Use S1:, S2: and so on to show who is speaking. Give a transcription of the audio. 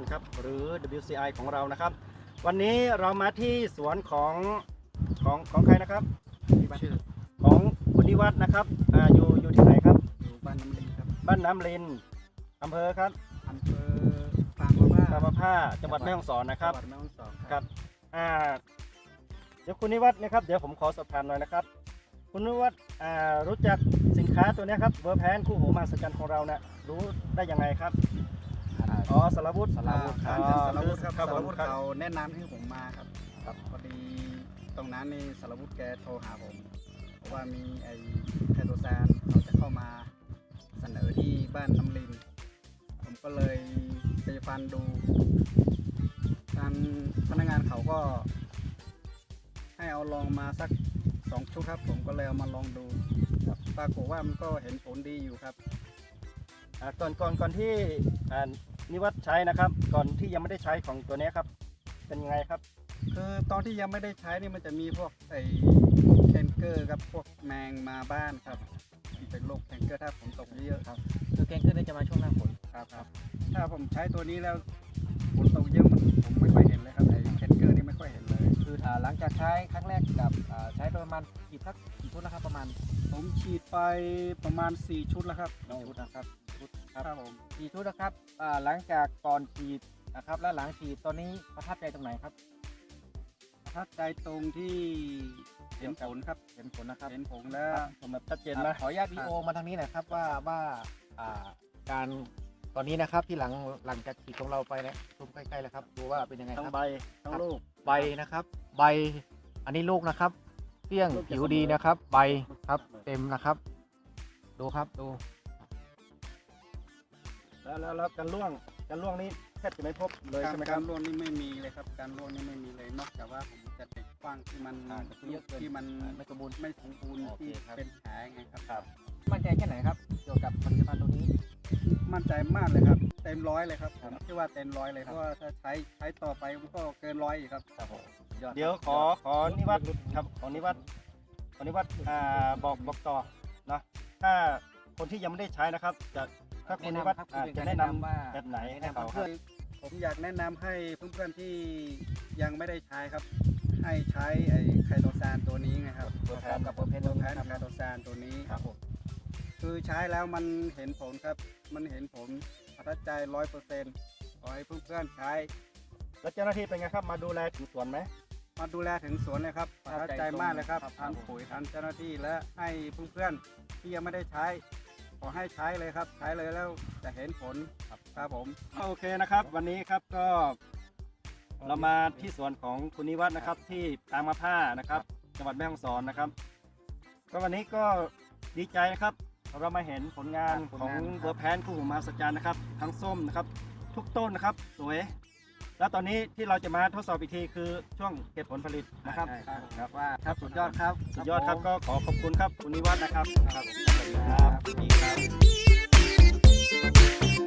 S1: ครับหรือ WCI ของเรานะครับวันนี้เรามาที่สวนของใครนะครับชื่อของคุณนิวัฒน์นะครับอยู่ที่ไหนครับ
S2: อยู่บ้านน้ำลินครับ
S1: บ้านน้ำลินอำเภอครับ
S2: อำเภอปางมะผ้า
S1: จังหวัดแม่ฮ่องสอนนะครับ
S2: จังหวัดแม่ฮ่องสอน
S1: ครับเดี๋ยวคุณนิวัฒน์นะครับเดี๋ยวผมขอสอบถามหน่อยนะครับคุณนิวัฒน์รู้จักสินค้าตัวนี้ครับเวอร์แพนคู่หูมหัศจรรย์ของเราเนี่ยรู้ได้ยังไงครับสารวุฒิ
S2: ครับสารวุฒิเขาแนะนำให้ผมมาครับพอดีตรงนั้นนี่สารวุฒิแกโทรหาผมเพราะว่ามีไอ้ไคโตซานเขาจะเข้ามาเสนอที่บ้านน้ำลินผมก็เลยไปฟันดูทางพนักงานเขาก็ให้เอาลองมาสัก2 ชุดครับผมก็เลยเอามาลองดูปรากฏว่ามันก็เห็นผลดีอยู่ครับ
S1: ก่อนที่นิวัฒน์ใช้นะครับก่อนที่ยังไม่ได้ใช้ของตัวนี้ครับเป็นยังไงครับ
S2: คือตอนที่ยังไม่ได้ใช้นี่มันจะมีพวกไอ้แคนเกอร์กับพวกแมงมาบ้านครับเป็นโรคแคนเกอร์ถ้าฝนตกเยอะครับ
S3: คือแคนเกอร์นี่จะมาช่วงหน้าฝน
S2: ครับถ้าผมใช้ตัวนี้แล้วฝนตกเยอะผมไม่ค่อยเห็นเลยครับไอ้แคนเกอร์นี่ไม่ค่อยเห็นเลย
S3: คือหลังจากใช้ครั้งแรกกับใช้ประมาณกี่ชุดนะครับประมาณ
S2: ผมฉีดไปประมาณ4 ชุดแล้วครับ
S3: ชุดนะครับ
S2: ครับผม
S3: 4 ชุดนะครับหลังจากก่อนฉีดนะครับและหลังฉีดตอนนี้ประทับใจตรงไหนครับ
S2: ประทับใจตรงที่เห็นผลครับ
S3: เห็นผลนะครับ
S2: เห็นผลแล้ว
S1: ผมแบบชัดเจนนะ
S3: ขออนุญาตวิดีโอมาทางนี้หน่อยครับว่าการตอนนี้นะครับที่หลังจากฉีดของเราไปนะชมใกล้ๆแล้วครับดูว่าเป็นยังไง
S1: ทั้
S3: ค
S1: ง
S3: รับ
S1: ใบทั้งลูก
S3: ใบนะครับใบอันนี้ลูกนะครับเปี้ยงผิวดีนะครับใบครับเต็มนะครับดูครับดู
S1: แล้วการล่วงนี้แทบจะไม่พบเลยใช่ไหมค
S2: กา
S1: รับ
S2: รล่วงนี่ไม่มีเลยครับการล่วงนี่ไม่มีเลยนอกจากว่าผมจะเด็กกว้างที่มันที่มัน
S3: ไม่สมบูรณ์
S2: ที่เป็นแผลไงครับ
S3: มั่นใจแค่ไหนครับเกี่ยวกับผลิตภัณฑ์ตัวนี้
S2: มั่นใจมากเลยครับเต็ม100เลยครับผมคิดว่าเต็ม100เลยเพราะว่าถ้าใช้ต่อไปมันก็เกิน100อีกครับ
S1: เดี๋ยวขอนิวัฒน์ครับขอนิวัฒน์บอกต่อนะถ้าคนที่ยังไม่ได้ใช้นะครับถ้าคุณนิวัฒน์จะแนะนำแบบไหนให้เขาครับ
S2: ผมอยากแนะนำให้เพื่อนๆที่ยังไม่ได้ใช้ครับให้ใช้ไอ้ไคโตซานตัวนี้ไงครับ
S3: กับเปอร์เพน
S2: ไคโตซานตัวนี้ครับผมคือใช้แล้วมันเห็นผลครับมันเห็นผลประทับใจ100%ขอให้เพื่อนๆใช้
S1: แล้วเจ้าหน้าที่เป็นไงครับมาดูแลถึงสวนไหม
S2: มาดูแลถึงสวนเลยครับประทับใจมากเลยครับทางปุ๋ยทางเจ้าหน้าที่และให้เพื่อนๆที่ยังไม่ได้ใช้ขอให้ใช้เลยครับใช้เลยแล้วจะเห็นผลครับผม
S1: โอเคนะครับวันนี้ครับก็เรามาที่สวนของคุณนิวัฒน์นะครับที่ปางมะผ้านะครับจังหวัดแม่ฮ่องสอนนะครับก็วันนี้ก็ดีใจนะครับเรามาเห็นผลงานของเวอร์แพนคู่หูมหัศจรรย์นะครับทั้งส้มนะครับทุกต้นนะครับสวยแล้วตอนนี้ที่เราจะมาทดสอบอีกทีคือช่วงเก็บผลผลิตนะครับ
S3: ว่าครับสุดยอดครับ
S1: ก็ขอขอบคุณครับคุณนิวัฒน์นะครับครับสวัสดีครับ